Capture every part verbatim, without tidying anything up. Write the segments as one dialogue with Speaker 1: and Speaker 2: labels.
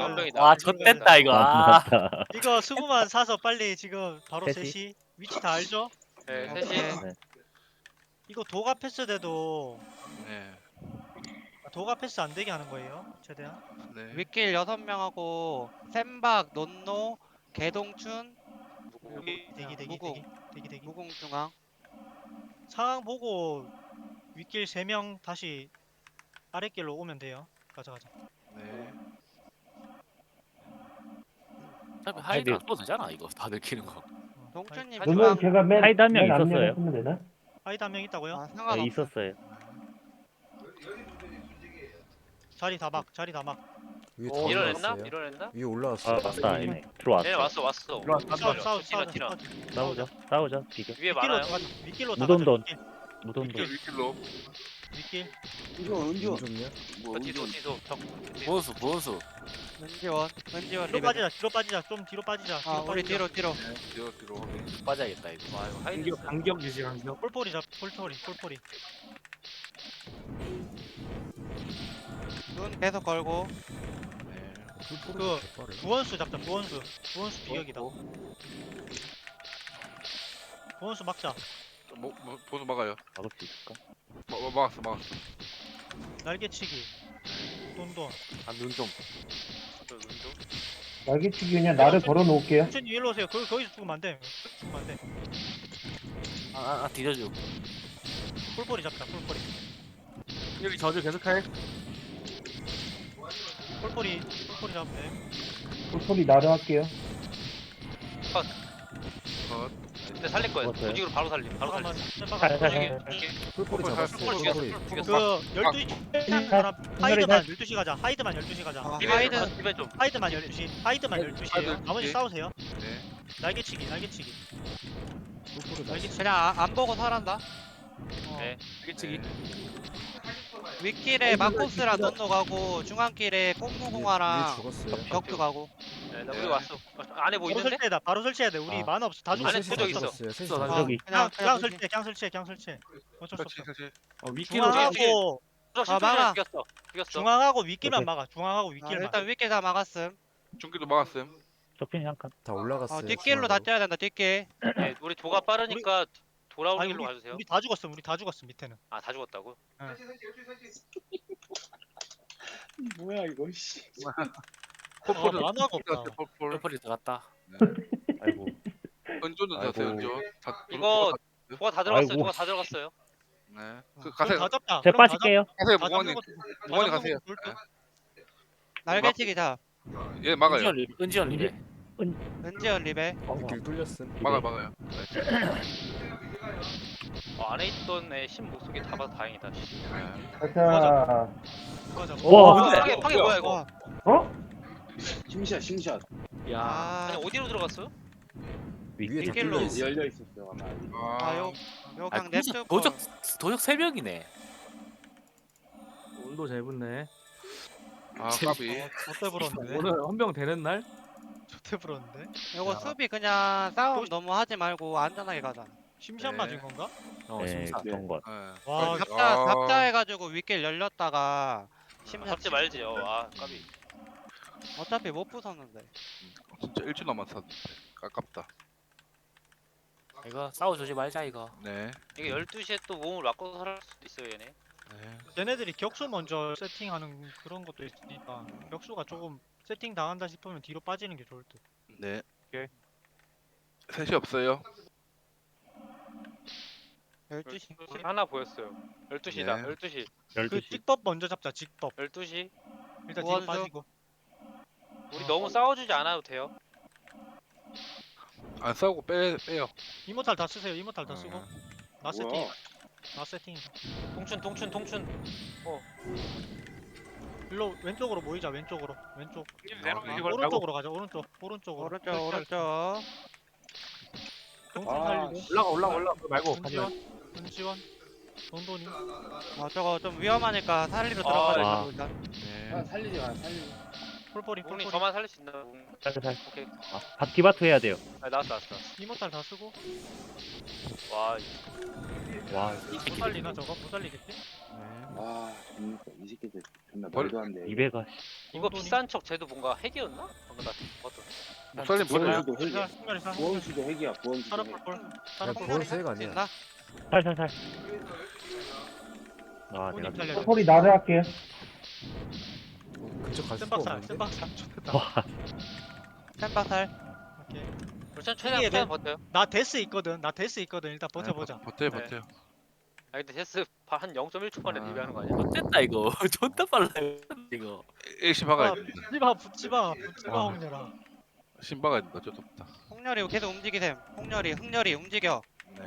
Speaker 1: 한 명이다.
Speaker 2: 와 좆됐다 이거. 아.
Speaker 3: 맞다.
Speaker 4: 이거 수구만 사서 빨리 지금 바로
Speaker 3: 셋이?
Speaker 4: 셋이 위치 다 알죠?
Speaker 1: 네,
Speaker 5: 오케이.
Speaker 1: 셋이.
Speaker 3: 네.
Speaker 4: 이거 도가 패스 돼도
Speaker 5: 네.
Speaker 4: 도가 패스 안 되게 하는 거예요. 최대한.
Speaker 5: 네.
Speaker 1: 윗길 여섯 명하고 샘박, 논노, 개동춘,
Speaker 4: 대기 대기 대기
Speaker 1: 무궁.
Speaker 4: 대기 대기 대기.
Speaker 1: 무궁 중앙.
Speaker 4: 상황 보고 윗길 세 명 다시 아랫길로 오면 돼요. 가자 가자.
Speaker 5: 네.
Speaker 2: 어차피 하이드 안 써도 되잖아 이거 다 들키는 거.
Speaker 4: 어,
Speaker 1: 동춘님
Speaker 4: 하이-
Speaker 1: 중앙.
Speaker 6: 그러면 제가 맨
Speaker 3: 하이드 한명
Speaker 6: 맨 앞면에
Speaker 3: 있었어요.
Speaker 6: 쓰면 되나?
Speaker 4: 하이드 한 명 있다고요?
Speaker 1: 아,
Speaker 3: 네,
Speaker 1: 상관없어.
Speaker 3: 있었어요.
Speaker 4: 자리 다 막, 자리 다 막.
Speaker 7: 위에 다
Speaker 1: 오,
Speaker 7: 올라왔어요.
Speaker 1: 일어났나? 일어났나?
Speaker 7: 위에 올라왔어.
Speaker 3: 아 맞다 아니네. 들어왔어.
Speaker 1: 네, 왔어, 왔어.
Speaker 4: 싸우 싸우 싸우
Speaker 1: 티라, 티라.
Speaker 3: 싸우자. 싸우자. 비교.
Speaker 1: 위에
Speaker 4: 윗길로
Speaker 1: 많아요.
Speaker 4: 다 가자. 윗길로 다
Speaker 3: 무덤돈.
Speaker 4: 가자.
Speaker 3: 무덤도.
Speaker 5: 윗길로.
Speaker 4: 윗길.
Speaker 7: 이거 운 좋냐?
Speaker 1: 저 뒤도, 뒤도. 적.
Speaker 2: 보온수 보온수.
Speaker 1: 은지원, 은지원
Speaker 4: 뒤로
Speaker 1: 리베.
Speaker 4: 빠지자. 뒤로 빠지자. 좀 뒤로 빠지자.
Speaker 1: 아, 우리
Speaker 4: 빠지자.
Speaker 1: 뒤로, 뒤로.
Speaker 5: 네. 뒤로 뒤로. 확인.
Speaker 2: 빠져야겠다 이거.
Speaker 1: 와, 이거 하이드.
Speaker 8: 간격 간격 유지 간격.
Speaker 4: 폴포리 잡. 폴포리. 폴포리.
Speaker 1: 눈 계속 걸고.
Speaker 5: 네.
Speaker 4: 그 구원수 잡자. 구원수. 구원수 비격이다. 구원수 막자.
Speaker 5: 뭐, 뭐 번호 막아요.
Speaker 3: 막을 수 있을까?
Speaker 5: 마, 마, 막았어 막았어.
Speaker 4: 날개치기. 돈돈.
Speaker 2: 아눈 좀.
Speaker 6: 날개치기 그냥 나를 걸어 놓을게요.
Speaker 4: 천천히 일로 오세요. 거기 거기서 죽으면 안 돼. 죽으면 안 돼.
Speaker 2: 아아 아, 뒤져줘.
Speaker 4: 폴포리 잡자. 폴포리.
Speaker 8: 여기 저주 계속해.
Speaker 4: 폴포리. 폴포리 잡으면 돼.
Speaker 6: 소리 나를 할게요.
Speaker 5: 컷.
Speaker 1: 근데 살릴 거예요.
Speaker 3: 죽었어요.
Speaker 1: 조직으로 바로 살림. 바로
Speaker 4: 잠깐만.
Speaker 1: 살림.
Speaker 4: 잠깐만.
Speaker 3: 살살.
Speaker 7: 풀포리 잡았어.
Speaker 5: 풀포리
Speaker 7: 풀포리.
Speaker 4: 그 열두 시 사람 하이드만 열두 시 가자. 하이드만 열두 시 가자.
Speaker 1: 아,
Speaker 4: 하이드
Speaker 1: 하이드 집에 좀.
Speaker 4: 하이드만 열두 시. 하이드만 열두 시에요.
Speaker 5: 하이드
Speaker 4: 나머지
Speaker 5: 열두 시.
Speaker 4: 싸우세요.
Speaker 5: 네.
Speaker 4: 날개치기. 날개치기.
Speaker 7: 풀포리
Speaker 4: 날개
Speaker 7: 잡았어.
Speaker 1: 그냥 아, 안 보고 살한다.
Speaker 4: 어.
Speaker 1: 네.
Speaker 8: 일찍이.
Speaker 1: 윗길에 마코스랑 논노 가고 중앙길에 꽁무공화랑
Speaker 7: 위에 죽었어요.
Speaker 1: 격투 가고. 네, 나 우리 왔어. 안에 뭐
Speaker 4: 바로
Speaker 1: 있는데?
Speaker 4: 설치해다. 바로 설치해야 돼. 우리
Speaker 7: 아.
Speaker 4: 만화 없어. 다
Speaker 7: 우리
Speaker 4: 죽었어.
Speaker 1: 안에
Speaker 7: 셋이
Speaker 1: 도적
Speaker 7: 다
Speaker 1: 있어.
Speaker 7: 죽었어요. 셋이
Speaker 8: 있어,
Speaker 7: 다
Speaker 8: 다
Speaker 7: 죽었어요.
Speaker 3: 저기.
Speaker 4: 그냥
Speaker 1: 그냥
Speaker 4: 그냥
Speaker 1: 그냥
Speaker 4: 설치해. 그냥 설치해. 그냥 설치해. 어쩔 수
Speaker 5: 그렇지
Speaker 4: 없어.
Speaker 5: 그렇지.
Speaker 8: 어 윗길로
Speaker 1: 중앙.
Speaker 4: 중앙하고
Speaker 1: 아, 막아. 죽였어. 죽였어.
Speaker 4: 중앙하고 윗길만
Speaker 3: 오케이.
Speaker 4: 막아. 중앙하고
Speaker 1: 아,
Speaker 4: 윗길만.
Speaker 1: 일단 윗길 다 막았음.
Speaker 5: 중기도 막았음.
Speaker 3: 적핀이 한 칸.
Speaker 7: 다 올라갔어요.
Speaker 1: 어, 뒷길로 다
Speaker 7: 중앙으로.
Speaker 1: 쪄야 된다. 뒷길. 네, 우리 도가 빠르니까 돌아오는
Speaker 4: 아니,
Speaker 1: 길로
Speaker 4: 우리,
Speaker 1: 가주세요.
Speaker 4: 우리 다 죽었어. 우리 다 죽었어. 밑에는.
Speaker 1: 아, 다 죽었다고?
Speaker 8: 뭐야 이거 씨.
Speaker 5: 폴폴.
Speaker 4: 어, 만화가 없다.
Speaker 5: 폴폴.
Speaker 2: 펄펄이 들어갔다.
Speaker 3: 아이고.
Speaker 5: 은조는
Speaker 3: 아이고.
Speaker 5: 되세요 은조. 다
Speaker 1: 이거 도가 다 들어갔어요.
Speaker 3: 아이고.
Speaker 1: 도가 다 들어갔어요.
Speaker 5: 네. 그
Speaker 4: 그럼
Speaker 5: 가세요.
Speaker 4: 다 잡자.
Speaker 3: 제가
Speaker 4: 그럼 다
Speaker 3: 빠질게요.
Speaker 5: 가세요
Speaker 4: 잡- 다
Speaker 5: 무관님.
Speaker 4: 잡는 것도-
Speaker 5: 무관님
Speaker 4: 다
Speaker 5: 가세요.
Speaker 4: 잡는 것도 볼 듯?
Speaker 1: 날개치기 자.
Speaker 5: 예 막아요.
Speaker 2: 은지원 리 은지원 리베.
Speaker 1: 은지원 리베.
Speaker 7: 길 뚫렸음.
Speaker 5: 막아 막아요.
Speaker 1: 어, 안에 있던 애 신 목소리 다 봐서 다행이다. 씨.
Speaker 5: 네.
Speaker 6: 가자.
Speaker 4: 그거 잡아.
Speaker 3: 와.
Speaker 2: 근데-
Speaker 1: 파괴 파괴 뭐야 이거?
Speaker 6: 어?
Speaker 9: 심샷 심샷
Speaker 2: 야.
Speaker 1: 아, 아니 어디로 들어갔어요?
Speaker 7: 위에 다
Speaker 1: 뒷길로.
Speaker 7: 뚫려 있어.
Speaker 9: 열려 있었어요 아마.
Speaker 1: 아, 요, 요
Speaker 2: 아
Speaker 1: 그냥
Speaker 2: 도적
Speaker 1: 냅두고.
Speaker 2: 도적 도적 세 명이네.
Speaker 8: 운도 잘 붙네.
Speaker 5: 아 까비.
Speaker 4: 어때 불었는데?
Speaker 8: 오늘 헌병 되는 날?
Speaker 4: 좋대 불었는데?
Speaker 1: 요거 수비 그냥 싸움 너무 하지 말고 안전하게 가자.
Speaker 4: 심시한
Speaker 5: 네.
Speaker 4: 맞은 건가?
Speaker 2: 어
Speaker 3: 네,
Speaker 2: 심사.
Speaker 3: 그런 것.
Speaker 5: 네.
Speaker 4: 와,
Speaker 1: 잡자 잡자 해가지고 윗길 열렸다가 심사
Speaker 10: 잡지 말지. 어, 아, 까비.
Speaker 1: 어차피 못 부쉈는데.
Speaker 5: 진짜 일주 남았었는데 아깝다.
Speaker 2: 이거 싸워주지 말자 이거.
Speaker 5: 네.
Speaker 10: 이게 열두 시에 또 몸을 바꿔서 살 수도 있어요, 얘네.
Speaker 5: 네.
Speaker 4: 얘네들이 격수 먼저 세팅하는 그런 것도 있으니까 격수가 조금 세팅 당한다 싶으면 뒤로 빠지는 게 좋을 듯.
Speaker 5: 네.
Speaker 8: 오케이.
Speaker 5: 셋이 없어요.
Speaker 1: 열두 시.
Speaker 10: 하나 보였어요. 열두 시다.
Speaker 5: 네.
Speaker 10: 열두 시.
Speaker 4: 그
Speaker 3: 열두 시.
Speaker 4: 직법 먼저 잡자. 직법.
Speaker 10: 열두 시.
Speaker 4: 일단 뒤로
Speaker 1: 우원수.
Speaker 4: 빠지고.
Speaker 10: 우리 너무 싸워주지 않아도 돼요.
Speaker 5: 안 싸우고 빼 빼요.
Speaker 4: 이모탈 다 쓰세요. 이모탈 다 쓰고.
Speaker 5: 어.
Speaker 4: 나 세팅.
Speaker 9: 뭐야?
Speaker 4: 나 세팅이다.
Speaker 10: 통춘, 통춘, 통춘.
Speaker 4: 일로 왼쪽으로 모이자. 왼쪽으로. 왼쪽.
Speaker 5: 아,
Speaker 8: 이걸
Speaker 4: 오른쪽으로 가자. 오른쪽. 오른쪽으로.
Speaker 1: 오른쪽 오른쪽.
Speaker 4: 동준
Speaker 9: 아,
Speaker 4: 살리고.
Speaker 8: 올라가 올라가 올라가 그거 말고 가지
Speaker 4: 은지원.
Speaker 8: 말고.
Speaker 4: 은지원. 돈돈이.
Speaker 1: 어 저거 좀 위험하니까 살리로
Speaker 10: 아,
Speaker 1: 들어가자
Speaker 3: 와.
Speaker 1: 일단.
Speaker 5: 네.
Speaker 9: 아, 살리지 마 살리지.
Speaker 4: 폴폴이
Speaker 10: 우군님
Speaker 4: 폴폴이.
Speaker 10: 저만 살릴 수 있나? 우군님.
Speaker 3: 살살.
Speaker 10: 오케이.
Speaker 3: 아, 바퀴바트 해야 돼요.
Speaker 10: 아, 나왔어 나왔어.
Speaker 4: 이모탈 다 쓰고.
Speaker 10: 와 이-
Speaker 3: 와,
Speaker 4: 못 살리나 저거? 못 살리겠지?
Speaker 9: 아, 그러니까 이 새끼들 존나
Speaker 5: 벌-
Speaker 9: 말도 안 돼.
Speaker 3: 이백아.
Speaker 10: 이거
Speaker 4: 돈돈이?
Speaker 10: 비싼 척 쟤도 뭔가 핵이었나? 방금 나 봤던.
Speaker 5: 목살님 버려요.
Speaker 9: 부원수도 핵이야.
Speaker 4: 승렬이 사.
Speaker 9: 부원수도 핵이야. 부원수도
Speaker 4: 사라
Speaker 9: 핵.
Speaker 4: 폴폴.
Speaker 7: 야,
Speaker 4: 사라 폴폴.
Speaker 7: 보너스 핵 아니야.
Speaker 1: 있나?
Speaker 3: 살살살. 아,
Speaker 4: 본인
Speaker 3: 내가
Speaker 4: 살려야 돼.
Speaker 6: 폴폴이 나를 할게요.
Speaker 7: 어, 근처 갈 수가
Speaker 4: 센박살,
Speaker 7: 없는데.
Speaker 4: 센박살. 좋겠다.
Speaker 3: 와,
Speaker 1: 템바살.
Speaker 4: 오케이.
Speaker 10: 일단 최대한
Speaker 4: 이게
Speaker 10: 최대한 버텨요.
Speaker 4: 나 데스 있거든. 나 데스 있거든. 일단 버텨보자.
Speaker 5: 버텨요
Speaker 10: 네.
Speaker 5: 버텨요.
Speaker 10: 아 근데 데스 한 영 점 일 초 만에
Speaker 5: 아.
Speaker 10: 리뷰하는 거 아니야?
Speaker 2: 됐다 이거. 존나 빨라 이거.
Speaker 5: 일시 박아야
Speaker 4: 아,
Speaker 5: 된다.
Speaker 4: 붙지마, 붙지마, 붙지마,
Speaker 5: 아.
Speaker 4: 홍렬아.
Speaker 5: 신 박아야 된다. 어쩔 수 없다.
Speaker 1: 홍렬이 계속 움직이셈. 홍렬이 흥렬이 움직여.
Speaker 5: 네.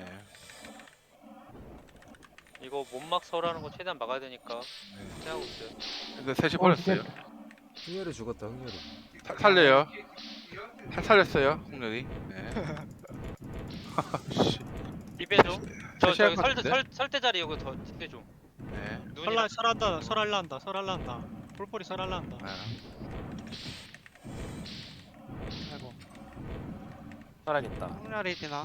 Speaker 10: 이거 몸막 설하는 거 최대한 막아야 되니까
Speaker 5: 네.
Speaker 10: 생각하고 있어요.
Speaker 5: 근데 셋이
Speaker 6: 어,
Speaker 5: 버렸어요.
Speaker 7: 흥열이 죽었다. 흥열이.
Speaker 5: 사- 살려요. 살- 살렸어요. 홍렬이. 네. 씨.
Speaker 10: 리베 좀. 저
Speaker 5: 셋이 할
Speaker 10: 저기
Speaker 5: 것
Speaker 10: 설,
Speaker 5: 같은데?
Speaker 10: 설, 설대 자리 여기 더 집대 좀.
Speaker 5: 네.
Speaker 10: 눈이랑
Speaker 4: 설라, 설한다, 설할란다, 설할란다. 폴폴이 설할란다.
Speaker 5: 아,
Speaker 4: 아이고.
Speaker 2: 살아야겠다.
Speaker 1: 홍렬이 지나.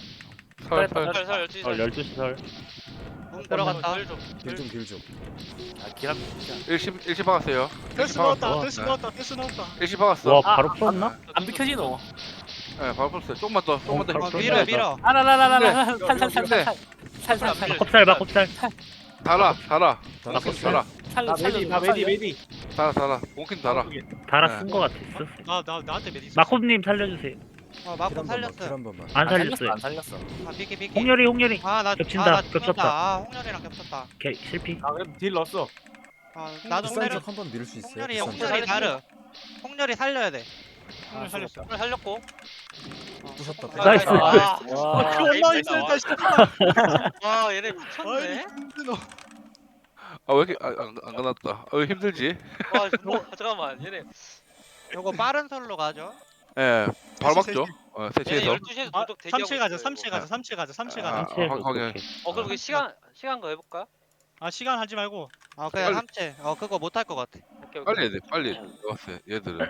Speaker 5: 설, 설.
Speaker 10: 설, 설, 열두 시
Speaker 3: 설
Speaker 10: 설.
Speaker 3: 열두 시 설.
Speaker 1: 문 들어갔다.
Speaker 10: 설 좀.
Speaker 7: 길 좀, 길 좀.
Speaker 2: 아 기람.
Speaker 5: 일시 일시 박았어요.
Speaker 4: 데스
Speaker 5: 일시
Speaker 4: 넣었다,
Speaker 5: 박았어.
Speaker 4: 데스
Speaker 5: 네.
Speaker 4: 넣었다, 데스 넣었다.
Speaker 5: 일시 박았어.
Speaker 3: 와, 바로 풀었나?
Speaker 2: 안 비켜지노.
Speaker 5: 네, 바로 풀었어요. 조금만 더, 조금만 더.
Speaker 3: 어,
Speaker 1: 어,
Speaker 5: 힘-
Speaker 1: 밀어 밀어.
Speaker 2: 아라라라라라.
Speaker 5: 네.
Speaker 2: 살살살살살살살살.
Speaker 3: 컵살 봐, 컵살.
Speaker 5: 달아, 달아.
Speaker 7: 다
Speaker 5: 몽킨
Speaker 7: 컸어.
Speaker 5: 달아.
Speaker 8: 나 메디 나 메디 메디.
Speaker 5: 달아, 달아. 몽킨 달아.
Speaker 3: 달아
Speaker 5: 네.
Speaker 3: 쓴 거 같았어.
Speaker 4: 나, 나, 나한테 메디 있어.
Speaker 3: 마콥님 살려주세요.
Speaker 1: 어
Speaker 7: 킬
Speaker 1: 마코
Speaker 7: 한 번만, 킬
Speaker 1: 살렸어.
Speaker 7: 한 번만.
Speaker 3: 안
Speaker 2: 안 살렸어.
Speaker 3: 살렸어요.
Speaker 2: 안 살렸어.
Speaker 1: 아 비키 비키.
Speaker 3: 홍렬이, 홍렬이.
Speaker 1: 아나
Speaker 3: 겹친다,
Speaker 1: 아, 나
Speaker 3: 겹쳤다.
Speaker 1: 죽는다. 아 홍렬이랑 겹쳤다.
Speaker 3: 오케이, 실패.
Speaker 8: 아 그래도 딜 넣었어.
Speaker 1: 아 나도
Speaker 7: 비싼
Speaker 1: 홍렬이
Speaker 7: 적한번 밀 수 있어요.
Speaker 1: 홍렬이
Speaker 7: 비싼 적.
Speaker 1: 홍렬이 나르. 홍렬이 살려야 돼.
Speaker 4: 형을 살렸어.
Speaker 10: 오늘 살렸고.
Speaker 7: 부쉈다.
Speaker 10: 아,
Speaker 3: 나이스.
Speaker 10: 아,
Speaker 4: 아,
Speaker 2: 와.
Speaker 4: 그 얼마 있을까, 씨발.
Speaker 10: 와 얘네
Speaker 4: 아이,
Speaker 10: 미쳤네.
Speaker 4: 힘들어.
Speaker 5: 아, 왜 이렇게 아, 안, 안 가났다. 아, 왜 힘들지?
Speaker 10: 와 존나 잠깐만 얘네
Speaker 1: 요거 빠른 설로 가죠.
Speaker 5: 예, 바로
Speaker 4: 셋이,
Speaker 5: 막죠. 어,
Speaker 10: 얘네
Speaker 5: 세치에서.
Speaker 10: 열두 시에서
Speaker 4: 아,
Speaker 10: 도둑 대기하고
Speaker 4: 삼칠 가자,
Speaker 10: 있어요,
Speaker 4: 삼칠
Speaker 10: 이거.
Speaker 4: 가자, 삼칠 가자, 삼칠
Speaker 5: 아,
Speaker 4: 가자.
Speaker 3: 삼칠.
Speaker 5: 확- 확인.
Speaker 3: 오케이.
Speaker 10: 어 그럼 그 시간 시간 거 해볼까?
Speaker 4: 아, 시간 하지 말고.
Speaker 1: 아 그냥
Speaker 5: 빨리.
Speaker 1: 삼체. 어 그거 못 할 것 같아.
Speaker 10: 오케이 오케이.
Speaker 5: 빨리 해야 돼, 빨리. 왔어요, 얘들은.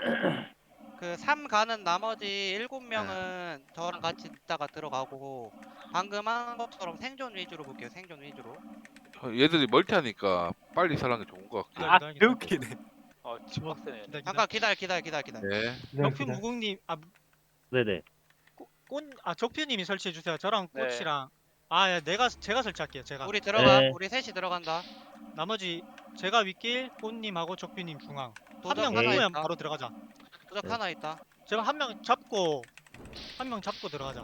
Speaker 1: 그 삼 가는 나머지 일곱 명은 저랑 같이 있다가 들어가고 방금 한 것처럼 생존 위주로 볼게요. 생존 위주로.
Speaker 5: 어, 얘들이 멀티하니까 빨리 살아는 게 좋은 것 같긴 해.
Speaker 8: 아
Speaker 4: 기다려, 기다려.
Speaker 8: 개웃기네.
Speaker 10: 어 지금 빡세네.
Speaker 4: 기다려,
Speaker 1: 잠깐 기다려 기다려 기다려 기다려.
Speaker 5: 네.
Speaker 6: 기다려,
Speaker 4: 적표
Speaker 6: 기다려.
Speaker 4: 무궁님, 아,
Speaker 3: 네네.
Speaker 4: 꽃, 아, 적표님이 설치해 주세요. 저랑
Speaker 10: 네.
Speaker 4: 꽃이랑. 아, 야, 내가 제가 설치할게요. 제가.
Speaker 1: 우리 들어가.
Speaker 3: 네.
Speaker 1: 우리 셋이 들어간다.
Speaker 4: 나머지 제가 윗길, 꽃님하고 적표님 중앙. 한
Speaker 1: 도적
Speaker 4: 명
Speaker 3: 하나
Speaker 4: 누구면
Speaker 1: 있다.
Speaker 4: 바로 들어가자.
Speaker 1: 도적
Speaker 3: 네.
Speaker 1: 하나 있다.
Speaker 4: 제가 한 명 잡고 한 명 잡고 들어가자.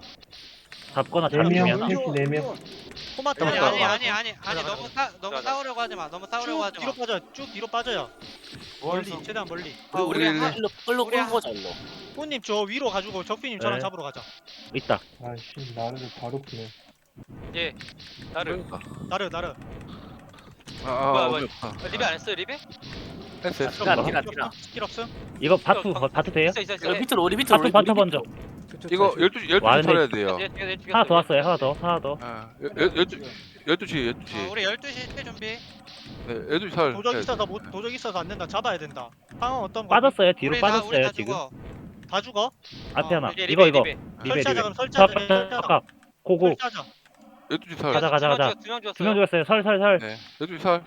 Speaker 3: 잡거나
Speaker 6: 네 명,
Speaker 3: 잡으면.
Speaker 6: 셋이 네 명.
Speaker 4: 토마토
Speaker 1: 아니
Speaker 5: 들어가.
Speaker 1: 아니 아니 아니 아니
Speaker 4: 들어가,
Speaker 1: 너무 싸 너무
Speaker 10: 들어가.
Speaker 1: 싸우려고 하지 마. 너무 싸우려고
Speaker 4: 쭉
Speaker 1: 하지
Speaker 4: 뒤로
Speaker 1: 마.
Speaker 4: 빠져. 쭉 뒤로 빠져요. 멀리,
Speaker 8: 멀리.
Speaker 4: 최대한 멀리.
Speaker 1: 아, 우리
Speaker 5: 우리
Speaker 1: 한
Speaker 2: 끌고 끌고
Speaker 1: 우리 한-
Speaker 2: 끌고 잘로.
Speaker 4: 꽃님 저 위로 가지고 적표님 저랑
Speaker 3: 네.
Speaker 4: 잡으러 가자.
Speaker 3: 있다.
Speaker 6: 아이씨, 나를 바로 푸네.
Speaker 10: 예. 나를
Speaker 4: 나르 나르.
Speaker 5: 아, 아,
Speaker 10: 뭐야,
Speaker 5: 어디
Speaker 10: 뭐야.
Speaker 5: 없다.
Speaker 10: 아, 리베 안 했어요 리베?
Speaker 5: 했어, 했어.
Speaker 2: 티라, 티라, 티라.
Speaker 4: 스킬 없음?
Speaker 3: 이거 바투, 바투 돼요?
Speaker 10: 있어 있어 있어.
Speaker 2: 여기 밑으로 우리 밑으로
Speaker 3: 바투,
Speaker 2: 우리
Speaker 3: 바투
Speaker 2: 밑으로.
Speaker 3: 먼저.
Speaker 5: 이거 열두 시, 열두
Speaker 3: 와,
Speaker 5: 시
Speaker 3: 근데-
Speaker 5: 털어야 돼요.
Speaker 10: 예, 예, 예, 죽였어요.
Speaker 3: 하나 더 왔어요, 하나 더, 하나 더.
Speaker 5: 아, 열- 열- 열두, 열두 시, 열두 시.
Speaker 1: 어, 우리 열두 시 때 준비.
Speaker 5: 네, 열두 시 설.
Speaker 4: 도적
Speaker 5: 해야
Speaker 4: 있어서
Speaker 5: 돼.
Speaker 4: 못 도적 있어서 안 된다. 잡아야 된다. 상황 어떤 거?
Speaker 3: 빠졌어요, 뒤로
Speaker 1: 우리 다 우리
Speaker 3: 빠졌어요,
Speaker 1: 다
Speaker 3: 지금.
Speaker 1: 죽어.
Speaker 4: 다 죽어?
Speaker 3: 앞에
Speaker 1: 어,
Speaker 3: 하나.
Speaker 10: 이게
Speaker 3: 이거,
Speaker 10: 리베
Speaker 3: 이거.
Speaker 10: 리베.
Speaker 3: 리베,
Speaker 4: 설치하자
Speaker 3: 리베.
Speaker 4: 그럼
Speaker 3: 자,
Speaker 4: 설치하자.
Speaker 3: 자,
Speaker 4: 설치하자.
Speaker 3: 자, 고고.
Speaker 4: 설치하자.
Speaker 5: 열두 시 설.
Speaker 3: 가자, 가자, 가자.
Speaker 10: 두명 죽었어요.
Speaker 3: 두 명 죽었어요, 설, 설, 설.
Speaker 5: 네, 열두 시 설.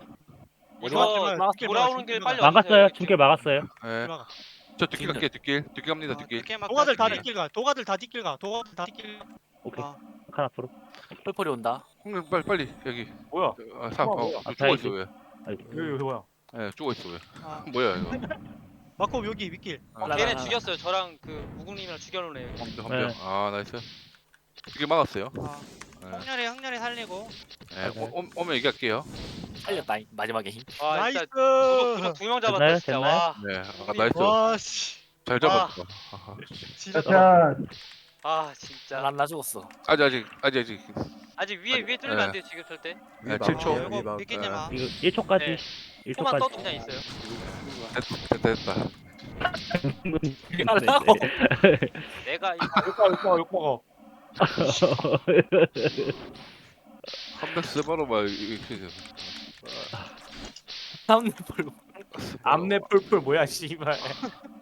Speaker 10: 이거
Speaker 4: 막았어,
Speaker 10: 돌아오는 길 빨리
Speaker 3: 막았어요,
Speaker 10: 와주세요.
Speaker 3: 중길 막았어요.
Speaker 5: 네.
Speaker 4: 막아.
Speaker 5: 저 뒷길 갈게요, 뒷길. 뒷길 갑니다,
Speaker 1: 어,
Speaker 5: 뒷길.
Speaker 1: 늦게 막
Speaker 4: 도가들 다
Speaker 1: 가지.
Speaker 4: 뒷길 가. 도가들 다 뒷길 가. 도가들 다 뒷길. 가.
Speaker 3: 오케이.
Speaker 1: 어.
Speaker 3: 하나 앞으로.
Speaker 2: 펄펄이 온다.
Speaker 5: 홍님 빨리 빨리 여기.
Speaker 8: 뭐야?
Speaker 5: 아, 사,
Speaker 8: 어,
Speaker 5: 어,
Speaker 8: 뭐야?
Speaker 5: 저
Speaker 3: 아,
Speaker 5: 죽어 있어 왜?
Speaker 3: 아이고.
Speaker 8: 여기 여기 뭐야?
Speaker 5: 예, 죽어 있어 왜?
Speaker 1: 어.
Speaker 5: 뭐야 이거?
Speaker 4: 마코 여기 윗길.
Speaker 10: 어,
Speaker 3: 아,
Speaker 10: 걔네 죽였어요. 저랑 그 무궁님이랑 죽여놓네.
Speaker 5: 한
Speaker 3: 네.
Speaker 5: 명. 아, 나이스. 뒷길 막았어요.
Speaker 1: 어.
Speaker 5: 네.
Speaker 1: 흥렬이 흥렬이 살리고.
Speaker 5: 네, 오- 오- 오면 얘기할게요.
Speaker 2: 살렸다. 이 마지막에 힘.
Speaker 10: 와
Speaker 4: 나이스.
Speaker 10: 진짜 도둑 두명 잡았다
Speaker 3: 됐나요?
Speaker 10: 진짜.
Speaker 3: 됐나요?
Speaker 10: 와.
Speaker 5: 네, 아, 나이스.
Speaker 4: 와 씨.
Speaker 5: 잘 잡았다. 아하.
Speaker 4: 진짜.
Speaker 6: 자,
Speaker 10: 아 진짜.
Speaker 2: 난나 죽었어.
Speaker 5: 아직 아직 아직 아직.
Speaker 10: 아직 위에 위에 뚫리면
Speaker 5: 네.
Speaker 10: 안 돼 지금 절대.
Speaker 5: 네, 칠 초.
Speaker 6: 아,
Speaker 1: 이거 믿기지 마.
Speaker 3: 이거 일 초까지.
Speaker 10: 네.
Speaker 3: 일
Speaker 10: 코만 떠도
Speaker 3: 초까지.
Speaker 10: 그냥 있어요.
Speaker 5: 됐다 됐다. 됐다.
Speaker 2: 하려고.
Speaker 10: 내가 이
Speaker 8: 욕먹어 욕먹어 욕먹어.
Speaker 5: 컴백 스바로 막 이렇게.
Speaker 2: 다음 펄.
Speaker 8: 암내 펄펄 뭐야 씨발.